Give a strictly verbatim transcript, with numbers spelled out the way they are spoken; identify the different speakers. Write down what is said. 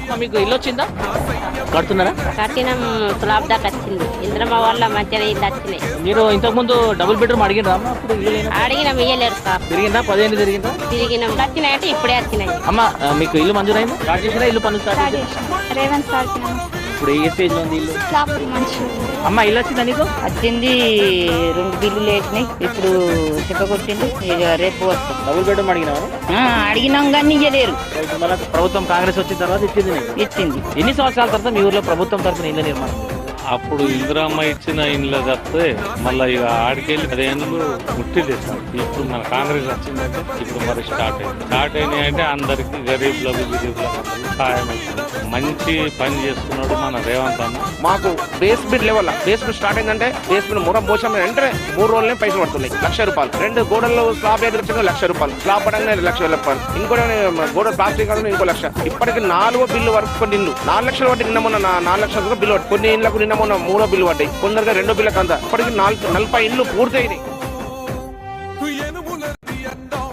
Speaker 1: మీకు ఇల్లు వచ్చిందా? కడుతున్నారా?
Speaker 2: కట్టినం, స్లాబ్ దాకా వచ్చింది. ఇంద్రమ్మ వల్ల మంచిగా ఇల్లు వచ్చినాయి.
Speaker 1: మీరు ఇంతకు ముందు డబుల్ బెడ్రూమ్ అడిగినరా? అప్పుడు
Speaker 2: అడిగినాం, ఇయ్యలేరు సార్.
Speaker 1: తిరిగిందా? పదిహేను తిరిగిందా?
Speaker 2: తిరిగినాం. వచ్చినాయంటే ఇప్పుడే వచ్చినాయి.
Speaker 1: అమ్మ మీకు ఇల్లు మంజూరైంది? స్టార్ట్ చేసినా? ఇల్లు పనులు స్టార్ట్ చేసినా?
Speaker 2: రేవంత్ సార్
Speaker 1: ఇప్పుడు ఏ స్టేజ్ లో ఉంది ఇల్లు? అమ్మ ఇల్లు వచ్చిందా నీకు?
Speaker 2: వచ్చింది. రెండు బిల్లులు వేసినాయి. ఇప్పుడు చెప్పకొచ్చింది. రేపు వస్తాం.
Speaker 1: డబుల్ బెడ్రూమ్ అడిగినావా?
Speaker 2: అడిగినాం కానీ ఇయ్యలేరు.
Speaker 1: మళ్ళీ ప్రభుత్వం కాంగ్రెస్ వచ్చిన తర్వాత ఇచ్చింది నీకు?
Speaker 2: ఇచ్చింది.
Speaker 1: ఎన్ని సంవత్సరాల తర్వాత మీ ఊర్లో ప్రభుత్వం తరఫున ఇల్లు నిర్మాణం?
Speaker 3: అప్పుడు ఇందిరామ్మ ఇచ్చిన ఇండ్ల తప్పితే మళ్ళీ ఇక ఆడికెళ్ళి పదేళ్ళు ముట్టిలేదు సార్. ఇప్పుడు మన కాంగ్రెస్ వచ్చిందంటే ఇప్పుడు మరి స్టార్ట్ అయింది. స్టార్ట్ అయినాయి అంటే అందరికి గరీబ్లకు గిరీబ్లకు సహాయం అవుతుంది. మంచి పని చేస్తున్నాడు మన రేవంత్ అన్న.
Speaker 4: మాకు బేస్మెంట్ లెవెల్ బేస్మెంట్ స్టార్ట్ అయిందంటే బేస్మెంట్ మూరం పోసాం అంటే మూడు రోజులనే పైసలు పడుతున్నాయి. లక్ష రూపాయలు. రెండు గోడల్లో స్లాబ్ ఎదుర్చిన లక్ష రూపాయలు. స్లాబ్ పడంగా లక్ష రూపాయలు. ఇంకోటి గోడ ప్లాస్టిక్ ఇంకో లక్ష. ఇప్పటికి నాలుగో బిల్లు వరకు కొన్ని ఇల్లు నాలుగు లక్షలు పట్టి నిన్న మొన్న నాలుగు లక్షల బిల్లు పట్టి కొన్ని ఇళ్లకు నిన్న మొన్న మూడో బిల్లు పడ్డాయి. కొందరుగా రెండో బిల్లకు అంతా ఇప్పటికి నాలుగు నలభై ఇల్లు పూర్తయినాయి.